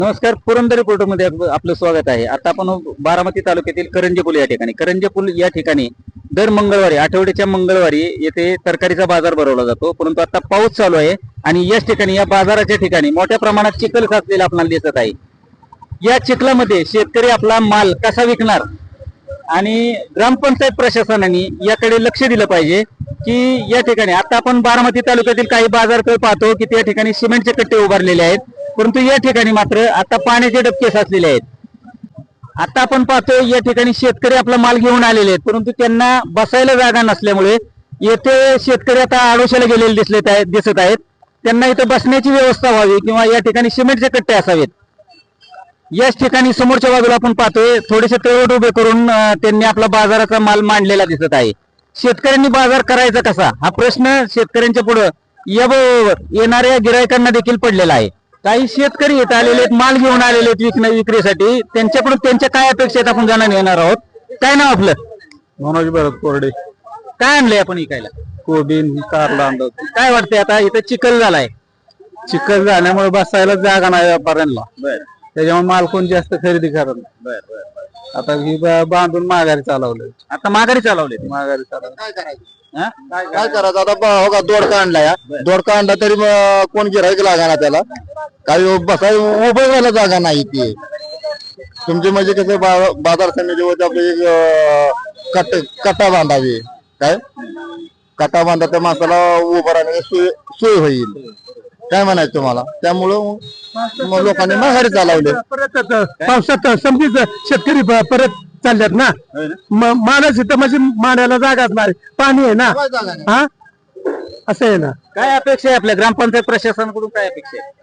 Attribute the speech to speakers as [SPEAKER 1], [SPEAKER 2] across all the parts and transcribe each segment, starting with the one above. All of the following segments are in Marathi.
[SPEAKER 1] नमस्कार. पुरंदर रिपोर्टरमध्ये आपलं स्वागत आहे. आता आपण बारामती तालुक्यातील करंजे या ठिकाणी या ठिकाणी दर मंगळवारी आठवड्याच्या मंगळवारी येथे तरकारीचा बाजार भरवला जातो. परंतु आता पाऊस चालू आहे आणि याच ठिकाणी या बाजाराच्या ठिकाणी मोठ्या प्रमाणात चिखल साचलेला आपल्याला दिसत आहे. या चिखलामध्ये शेतकरी आपला माल कसा विकणार आणि ग्रामपंचायत प्रशासनाने याकडे लक्ष दिलं पाहिजे की या ठिकाणी आता आपण बारामती तालुक्यातील काही बाजारपेठ पाहतो की त्या ठिकाणी सिमेंटचे कट्टे उभारलेले आहेत, परंतु या ठिकाणी मात्र आता पाण्याचे डबके साचलेले आहेत. आता आपण पाहतो या ठिकाणी शेतकरी आपला माल घेऊन आलेले आहेत, परंतु त्यांना बसायला जागा नसल्यामुळे येथे शेतकरी आता आडोशाला गेलेले दिसत आहेत. त्यांना इथं बसण्याची व्यवस्था व्हावी किंवा या ठिकाणी सिमेंटचे कट्टे असावेत. याच ठिकाणी समोरच्या बाजूला आपण पाहतोय थोडेसे तळवट उभे करून त्यांनी आपला बाजाराचा माल मांडलेला दिसत आहे. शेतकऱ्यांनी बाजार करायचा कसा हा प्रश्न शेतकऱ्यांच्या पुढे येणाऱ्या गिरायकांना देखील पडलेला आहे. काही शेतकरी येत आलेले आहेत, माल घेऊन आलेले आहेत विक्रीसाठी. त्यांच्याकडून त्यांच्या काय अपेक्षा आहेत आपण जाणून घेणार आहोत. काय नाव आपलं?
[SPEAKER 2] मनोज भरत कोरडे.
[SPEAKER 1] काय आणलंय आपण इकायला?
[SPEAKER 2] कोबी कारला आणलं.
[SPEAKER 1] काय वाटतंय आता इथं चिखल झालाय?
[SPEAKER 2] चिखल झाल्यामुळे बसायला जागा नाही व्यापाऱ्यांना, त्याच्यामुळे माल कोण जास्त खरेदी करत नाही. आता ही बांधून माघारी चालवले.
[SPEAKER 1] आता माघारी चालवले.
[SPEAKER 2] माघारी चालवले.
[SPEAKER 3] काय करायचं आता? दोडका आणलाय, दोडका आणला तरी कोण गिरायक लागा त्याला. काही बसाय उभं व्हायला जागा नाही. ती तुमचे म्हणजे कसं बाजार समितीवरती आपले कट्टा बांधावी. काय कट्टा बांधा त्या माणसाला उभं राहण्याची सोय होईल. काय म्हणायचं तुम्हाला? त्यामुळं लोकांनी माघारी चालवले.
[SPEAKER 2] परत पावसात समजीच शेतकरी परत चालल्यात ना. माणूस इथं म्हणजे मांडायला जागाच नाही, पाणी आहे ना. हा असं आहे ना.
[SPEAKER 1] काय अपेक्षा आहे आपल्या ग्रामपंचायत प्रशासनाकडून? काय अपेक्षा आहे?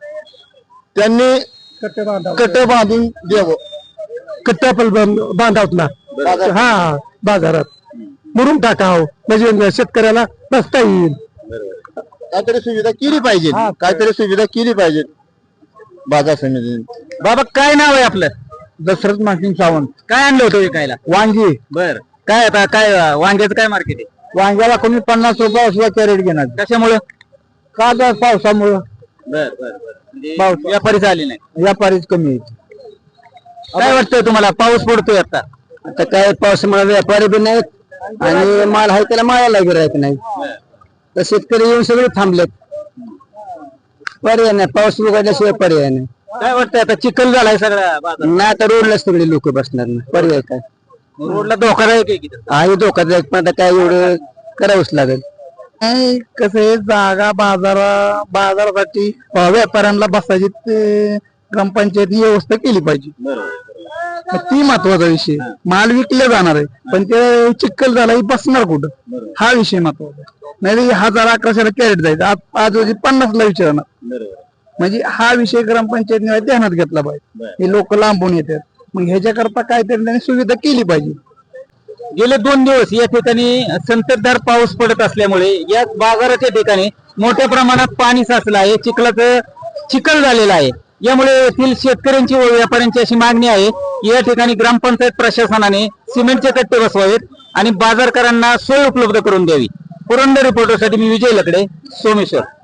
[SPEAKER 3] त्यांनी कट्टे बांधून द्यावं.
[SPEAKER 2] कट्टा पण बांधावत ना. हा बाजारात मुरुम टाकाव म्हणजे शेतकऱ्याला बसता येईल.
[SPEAKER 3] काहीतरी सुविधा केली पाहिजे. काहीतरी सुविधा केली पाहिजे बाजार समितीने.
[SPEAKER 1] बाबा काय नाव आहे आपलं?
[SPEAKER 2] दशरथ मासिंग सावंत.
[SPEAKER 1] काय आणलं होतं विकायला?
[SPEAKER 2] वांगी.
[SPEAKER 1] बर. काय आता काय वांग्याचं काय मार्केट आहे?
[SPEAKER 2] वांग्याला कोणी 50 रुपये असला कॅरेट घेणार.
[SPEAKER 1] कशामुळे?
[SPEAKER 2] का तर पावसामुळं.
[SPEAKER 1] बर बर बर. व्यापारीच आले नाही,
[SPEAKER 2] व्यापारीच कमी.
[SPEAKER 1] काय वाटतंय तुम्हाला? पाऊस पडतोय आता.
[SPEAKER 2] आता काय पावसामुळे व्यापारी बी नाहीत आणि माल आहे त्याला माळाला गिरायक नाही. तर शेतकरी येऊन सगळे थांबलेत. पर्याय नाही, पाऊस उघडल्याशिवाय पर्याय नाही.
[SPEAKER 1] काय वाटतंय आता? चिखल झालाय सगळा बाजार.
[SPEAKER 2] नाही आता रोडला सगळे लोक बसणार ना. पर्याय काय?
[SPEAKER 1] रोडला धोकादायक आहे की?
[SPEAKER 2] आहे धोकादायक, पण आता काय एवढं करावंच लागेल. कसं आहे, जागा बाजारासाठी व्यापाऱ्यांना बसायची ग्रामपंचायत व्यवस्था केली पाहिजे. ती महत्वाचा विषय. माल विकले जाणार आहे, पण ते चिखल झाला बसणार कुठं, हा विषय महत्वाचा. नाही 1000-1100 कॅरेट जायचं, आज 50ला विचारणार. म्हणजे हा विषय ग्रामपंचायतने ध्यानात घेतला पाहिजे. हे लोक लांबून येतात, मग ह्याच्याकरता काहीतरी त्यांनी सुविधा केली पाहिजे.
[SPEAKER 1] गेले 2 दिवस या ठिकाणी संततधार पाऊस पडत असल्यामुळे या बाजाराच्या ठिकाणी मोठ्या प्रमाणात पाणी साचलं आहे. चिखल झालेला आहे. यामुळे येथील शेतकऱ्यांची व व्यापाऱ्यांची अशी मागणी आहे की या ठिकाणी ग्रामपंचायत प्रशासनाने सिमेंटचे कट्टे बसवावेत आणि बाजारकरांना सोय उपलब्ध करून द्यावी. पुरंदर रिपोर्टरसाठी मी विजय लकडे, सोमेश्वर.